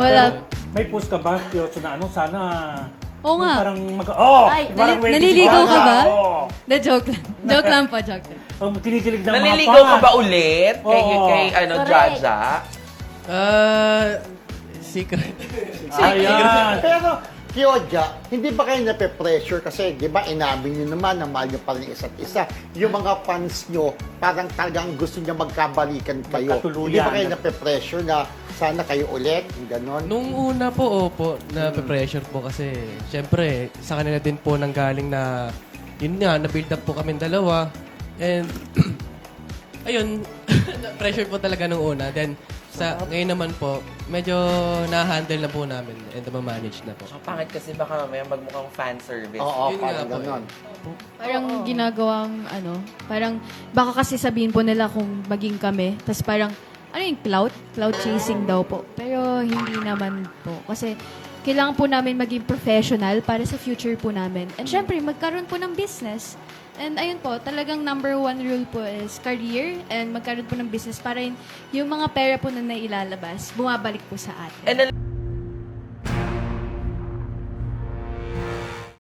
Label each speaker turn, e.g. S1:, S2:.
S1: Wala.
S2: May post ka ba, Piotso, na ano, sana...
S1: Oo nga.
S2: Parang
S1: Ay,
S2: parang ready
S1: naliligaw ka ba?
S2: Oo.
S1: Na joke lang. Joke lang po, joke lang.
S2: Kinikilig ng mga
S3: Naliligaw ka
S2: fans.
S3: ba ulit? Kay,
S2: Oo.
S3: kay
S1: Correct.
S3: Jaja?
S4: Secret.
S2: Ayan.
S5: Pero, Kyoja, hindi ba kayo nape-pressure? Kasi, di ba, inamin nyo naman na mahal nyo pa rin isa't isa. Yung mga fans nyo, parang talagang gusto nyo magkabalikan kayo.
S2: Magkatuluyan.
S5: Hindi ba kayo nape-pressure na sana kayo ulit? Yung ganon.
S4: Nung una po, opo, na-pressure po kasi, syempre, sa kanila din po nanggaling na, yun nga, na-build up po kami dalawa. And, ayun, pressure po talaga nung una. Then, ngayon naman po, medyo na-handle na po namin and ma-manage na po.
S3: Ang pangit kasi baka mamaya magmukhang fan service.
S5: Oo,
S4: Yun nga
S5: parang
S4: po,
S5: ganon.
S1: Parang ginagawang, parang baka kasi sabihin po nila kung maging kami. Tapos parang, ano yung clout? Clout chasing daw po. Pero hindi naman po. Kasi kailangan po namin maging professional para sa future po namin. And syempre, magkaroon po ng business. And ayun po, talagang number one rule po is career and magkaroon po ng business para yung mga pera po na nailalabas, bumabalik po sa atin.
S3: And